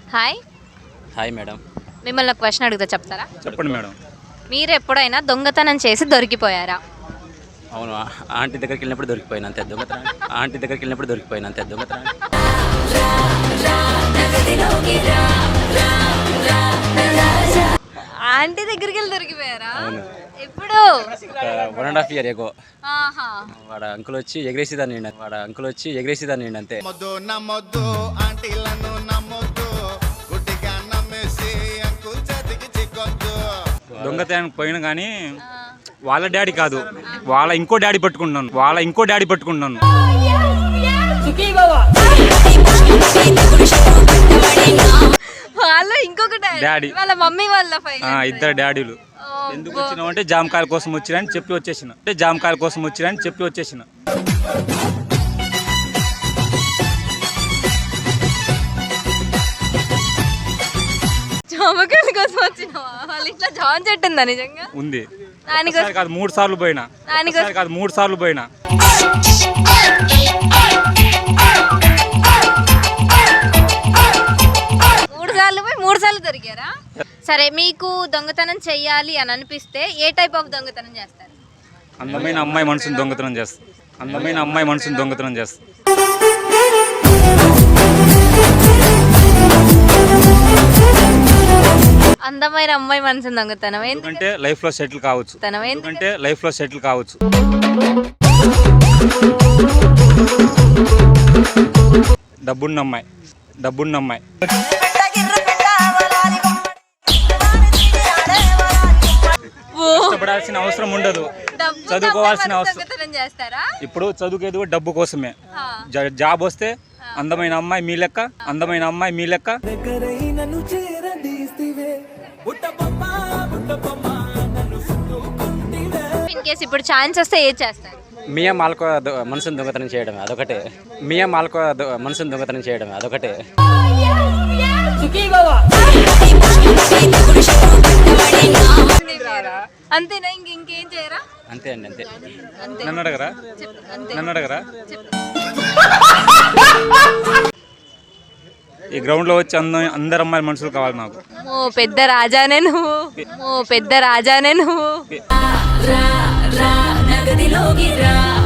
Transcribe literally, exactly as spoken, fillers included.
Hi. Hi madam. మిమ్మల్ని ఒక question అడుగుతా, చెప్తారా? చెప్పండి మేడం. మీరు ఎప్పుడైనా దొంగతనం చేసి దొరికిపోయారా? అవును, ఆంటీ దగ్గరికి వెళ్ళినప్పుడు దొరికిపోయిన అంతే దొంగతనం. ఆంటీ దగ్గరికి వెళ్ళినప్పుడు దొరికిపోయిన అంతే దొంగతనం. ఆంటీ దగ్గరికి వెళ్ళి దొరికిపోయారా? ఎప్పుడు? One and half year ago. ఆహా. వాడ అంకుల్ వచ్చి ఎగరేసేదాన్ని వాడ అంకుల్ వచ్చి ఎగరేసేదాన్ని అంతే. దొంగతనానికి పోయిన కానీ వాళ్ళ డాడీ కాదు, వాళ్ళ ఇంకో డాడీ పట్టుకుంటున్నాను వాళ్ళ ఇంకో డాడీ పట్టుకుంటున్నాను వాళ్ళ ఇంకొక డాడీ, వాళ్ళ మమ్మీ వాళ్ళ ఫైల్. ఇద్దరు డాడీలు. ఎందుకు వచ్చినావు అంటే జామకాయల కోసం వచ్చిరని చెప్పి వచ్చేసిన అంటే జామకాయల కోసం వచ్చిరని చెప్పి వచ్చేసిన జామకాయల కోసం వచ్చినావా? వాళ్ళ ఇట్లా జామ చెట్టు ఉందా నిజంగా? ఉంది. దానికోసం కాదు మూడు సార్లు పోయినా దానికోసం కాదు మూడు సార్లు పోయినా మూడు సార్లు పోయి మూడు సార్లు దొరికారా? సరే, మీకు దొంగతనం చెయ్యాలి అని అనిపిస్తే ఏ టైప్ ఆఫ్ దొంగతనం చేస్తారు? అందమైన అమ్మాయి మనసుని దొంగతనం చేస్తా అందమైన అమ్మాయి మనసుని దొంగతనం చేస్తా అందమైన అమ్మాయి మనసుని దొంగతనం ఎందుకంటే లైఫ్ లో సెటిల్ కావచ్చు ఎందుకంటే లైఫ్ లో సెటిల్ కావచ్చు డబ్బున్న అమ్మాయి డబ్బున్న అమ్మాయి కష్టపడాల్సిన అవసరం ఉండదు, చదువుకోవాల్సిన అవసరం. ఇప్పుడు చదువుకేది డబ్బు కోసమే. జాబ్ వస్తే అందమైన అమ్మాయి మీ లెక్క అందమైన అమ్మాయి మీ లెక్క ఇన్ కేసు ఇప్పుడు ఛాన్స్ వస్తే ఏం చేస్తారు? మియా మాల్కో మనసుని దొంగతనం చేయడమే అదొకటే. మియా మాల్కో మనసుని దొంగతనం చేయడమే అదొకటే. అంతేనా? ఇంక ఇంకేం చేయరా? అంతే అండి, అంతే. నన్ను అడగరా నన్ను అడగరా ఈ గ్రౌండ్ లో వచ్చి అందం అందరు అమ్మాయిల మనుషులు కావాలి నాకు. ఓ పెద్ద రాజానే నువ్వు, ఓ పెద్ద రాజానే నువ్వు.